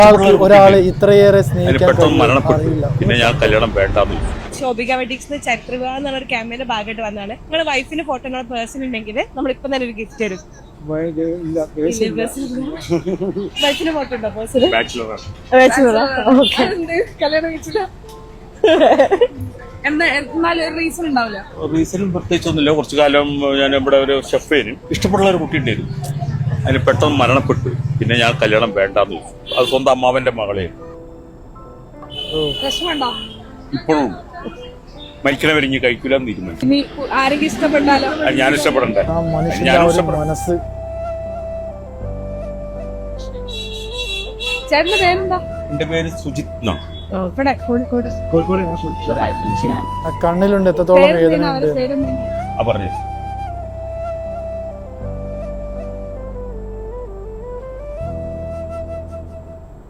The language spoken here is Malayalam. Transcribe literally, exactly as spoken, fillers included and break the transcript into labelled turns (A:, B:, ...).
A: ഒരാളെ ഇത്രയേറെ സ്നേഹിക്കാൻ
B: പിന്നെ ഞാൻ കല്യാണം വേണ്ടാന്ന്.
C: ശോഭിക വെഡിങ്സ് ചരിത്ര വിവാഹം എന്നുള്ള ഒരു ക്യാമ്പയിന്റെ ഭാഗമായിട്ട് വന്നതാണ്. നിങ്ങളുടെ വൈഫിന് ഫോട്ടോ നിങ്ങളുടെ പേഴ്സൺ ഉണ്ടെങ്കിൽ നമ്മളിപ്പം തന്നെ ഒരു ഗിഫ്റ്റ് തരും. വൈഫിന് ഫോട്ടോ ഉണ്ടോ പേഴ്സൺ? കല്യാണം കഴിച്ചില്ല. റീസൺ ഉണ്ടാവില്ല.
B: റീസൺ പ്രത്യേകിച്ചൊന്നുമില്ല. കുറച്ചു കാലം ഞാൻ ഇവിടെ ഒരു ഷെഫേനും ഇഷ്ടപ്പെടുന്ന ഒരു കുട്ടി ഉണ്ടായിരുന്നു. അതിന് പെട്ടെന്ന് മരണപ്പെട്ടു. പിന്നെ ഞാൻ കല്യാണം വേണ്ടാന്ന് ചോദിച്ചു. അത് സ്വന്തം അമ്മാവന്റെ മകളെ. ഇപ്പോഴും മരിക്കണവരെ ഇനി കഴിക്കൂലെന്ന് തീരുമാനിച്ചു.
C: ആരെങ്കിലും ഇഷ്ടപ്പെട്ടാലോ?
B: ഞാൻ ഇഷ്ടപ്പെടണ്ടേ?
A: മനസ്സ്.
C: ചേട്ടന്റെ പേരെന്താ?
B: എന്റെ പേര് സുജിത് എന്നാണ്.
A: കണ്ണിലുണ്ട് എത്രത്തോളം വേദന.
B: ആ പറഞ്ഞു.